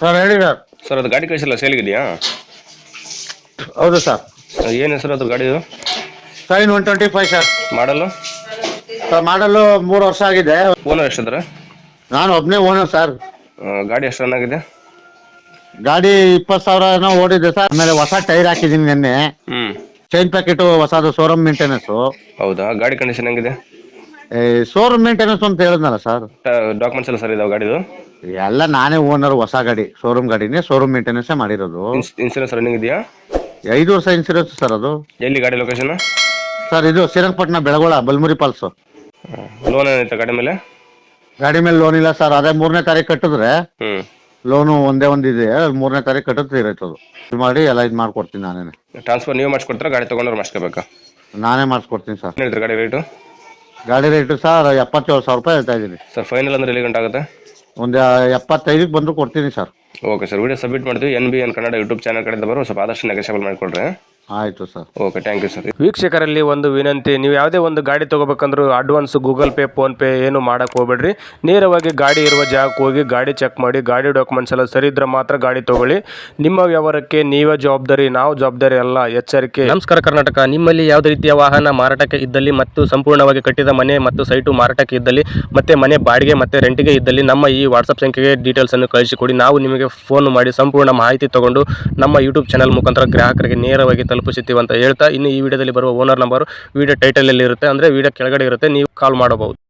Sir ಹೇಳಿ sir. Sir ಅದು ಗಾಡಿ ಕಳಿಸಿಲ್ಲ ಸೇಲ್ಗಿದೆಯಾ? ಹೌದು ಸರ್. ಏನು ಹೆಸರು ಅದು ಗಾಡಿದು? Sign 125 sir. ಮಾಡಲು ಸರ್ ಮಾಡಲು 3 ವರ್ಷ ಆಗಿದೆ. ಓನರ್ ಎಷ್ಟಿದ್ರೆ? ನಾನು ಒಬ್ಬನೇ ಓನರ್ ಸರ್. ಗಾಡಿ ಎಷ್ಟು ರನ್ ಆಗಿದೆ? ಗಾಡಿ 20,000 ಏನೋ ಓಡಿದೆ ಸರ್. ಆಮೇಲೆ ಹೊಸ ಟೈರ್ ಹಾಕಿದ್ದೀನಿ ನಿನ್ನೆ. ಚೈನ್ ಪ್ಯಾಕೆಟ್ ಹೊಸದು, ಶೋರೂಮ್ ಮೇಂಟೆನೆನ್ಸ್. ಹೌದಾ? ಗಾಡಿ ಕಂಡೀಷನ್ ಹೆಂಗಿದೆ? ಶೋರೂಮ್ ಮೇಂಟೆನೆನ್ಸ್ ಅಂತ ಹೇಳಿದ್ನಲ್ಲ ಸರ್. ಡಾಕ್ಯುಮೆಂಟ್ಸ್ ಎಲ್ಲ ಸರ್ ಇದಾವೆ ಗಾಡಿದು? ಎಲ್ಲ ನಾನೇ ಓನರ್. ಹೊಸ ಗಾಡಿ, ಶೋರೂಮ್ ಗಾಡಿನೇ, ಶೋರೂಮ್ ಮೇಂಟೆನೆನ್ಸ್ ಮಾಡಿರೋದು. ಇನ್ಸೂರೆನ್ಸ್ ರನ್ನಿಂಗ್ ಇದೆಯಾ? 5 ವರ್ಷ ಇನ್ಸೂರೆನ್ಸ್ ಸರ್ ಅದು. ಎಲ್ಲಿ ಗಾಡಿ ಲೊಕೇಶನ್? ಸರ್ ಇದು ಶ್ರೀರಂಗಪಟ್ಟಣ, ಬೆಳಗೋಳ, ಬಲ್ಮುರಿ ಪಾಲ್ಸು. ಲೋನ್ ಏನೈತೆ ಗಾಡಿ ಮೇಲೆ? ಗಾಡಿ ಮೇಲೆ ಲೋನ್ ಇಲ್ಲ ಸರ್. ಅದೇ 3ನೇ ತಾರೀಕು ಕಟ್ಟಿದ್ರೆ ಲೋನು ಒಂದೇ ಇದೆ. 3ನೇ ತಾರೀಕು ಕಟ್ಟಿದ್ರೆ ಇರೋದು ಇದು ಮಾಡಿ ಎಲ್ಲ ಇದು ಮಾಡ್ಕೊಡ್ತೀನಿ ನಾನೇ. ಟ್ರಾನ್ಸ್ಫರ್ ನೀವು ಮಾಡಿಸ್ಕೊಡ್ತೀರಾ, ಗಾಡಿ ತೊಗೊಂಡ್ರೆ ಮಾಡಿಸ್ಕೋಬೇಕಾ? ನಾನೇ ಮಾಡಿಸ್ಕೊಡ್ತೀನಿ ಸರ್. ಏನು ಹೇಳ್ತೀರಾ ಗಾಡಿ ರೇಟು? ಗಾಡಿ ರೇಟು ಸರ್ 77,000 ರೂಪಾಯಿ ಹೇಳ್ತಾ ಇದ್ದೀನಿ ಸರ್. ಫೈನಲ್ ಅಂದ್ರೆ ಎಲ್ಲಿ ಗಂಟೆ ಆಗುತ್ತೆ? ಒಂದು 75ಕ್ಕೆ ಬಂದು ಕೊಡ್ತೀನಿ sir. Okay sir, video submit ಮಾಡ್ತೀವಿ. NBN ಕನ್ನಡ ಯೂಟ್ಯೂಬ್ ಚಾನಲ್ ಕಡೆಯಿಂದ ಬರೋ ಸ್ವಲ್ಪ ಆದಷ್ಟು ನೆಗೋಷಿಯಬಲ್ ಮಾಡಿಕೊಡ್ರಿ. ಆಯಿತು sir. Okay, thank you sir. ವೀಕ್ಷಕರಲ್ಲಿ ಒಂದು ವಿನಂತಿ, ನೀವು ಯಾವುದೇ ಒಂದು ಗಾಡಿ ತೊಗೋಬೇಕಂದ್ರೂ ಅಡ್ವಾನ್ಸ್ ಗೂಗಲ್ ಪೇ, ಫೋನ್ಪೇ ಏನು ಮಾಡೋಕ್ಕೆ ಹೋಗ್ಬೇಡ್ರಿ. ನೇರವಾಗಿ ಗಾಡಿ ಇರುವ ಜಾಗಕ್ಕೆ ಹೋಗಿ ಗಾಡಿ ಚೆಕ್ ಮಾಡಿ, ಗಾಡಿ ಡಾಕ್ಯುಮೆಂಟ್ಸ್ ಎಲ್ಲ ಸರಿ ಇದ್ರೆ ಮಾತ್ರ ಗಾಡಿ ತೊಗೊಳ್ಳಿ. ನಿಮ್ಮ ವ್ಯವಹಾರಕ್ಕೆ ನೀವೇ ಜವಾಬ್ದಾರಿ, ನಾವು ಜವಾಬ್ದಾರಿ ಅಲ್ಲ. ಎಚ್ಚರಿಕೆ. ನಮಸ್ಕಾರ ಕರ್ನಾಟಕ. ನಿಮ್ಮಲ್ಲಿ ಯಾವುದೇ ರೀತಿಯ ವಾಹನ ಮಾರಾಟಕ್ಕೆ ಇದ್ದಲ್ಲಿ ಮತ್ತು ಸಂಪೂರ್ಣವಾಗಿ ಕಟ್ಟಿದ ಮನೆ ಮತ್ತು ಸೈಟು ಮಾರಾಟಕ್ಕೆ ಇದ್ದಲ್ಲಿ ಮತ್ತು ಮನೆ ಬಾಡಿಗೆ ಮತ್ತು ರೆಂಟಿಗೆ ಇದ್ದಲ್ಲಿ ನಮ್ಮ ಈ ವಾಟ್ಸಪ್ ಸಂಖ್ಯೆಗೆ ಡೀಟೇಲ್ಸನ್ನು ಕಳಿಸಿಕೊಡಿ. ನಾವು ನಿಮಗೆ ಫೋನ್ ಮಾಡಿ ಸಂಪೂರ್ಣ ಮಾಹಿತಿ ತಗೊಂಡು ನಮ್ಮ ಯೂಟ್ಯೂಬ್ ಚಾನಲ್ ಮುಖಾಂತರ ಗ್ರಾಹಕರಿಗೆ ನೇರವಾಗಿ ತಲುಪಿಸುತ್ತೀವಿ ಅಂತ ಹೇಳ್ತಾ, ಇನ್ನು ಈ ವಿಡಿಯೋದಲ್ಲಿ ಬರುವ ಓನರ್ ನಂಬರ್ ವಿಡಿಯೋ ಟೈಟಲಲ್ಲಿ ಇರುತ್ತೆ, ಅಂದರೆ ವಿಡಿಯೋ ಕೆಳಗಡೆ ಇರುತ್ತೆ, ನೀವು ಕಾಲ್ ಮಾಡಬಹುದು.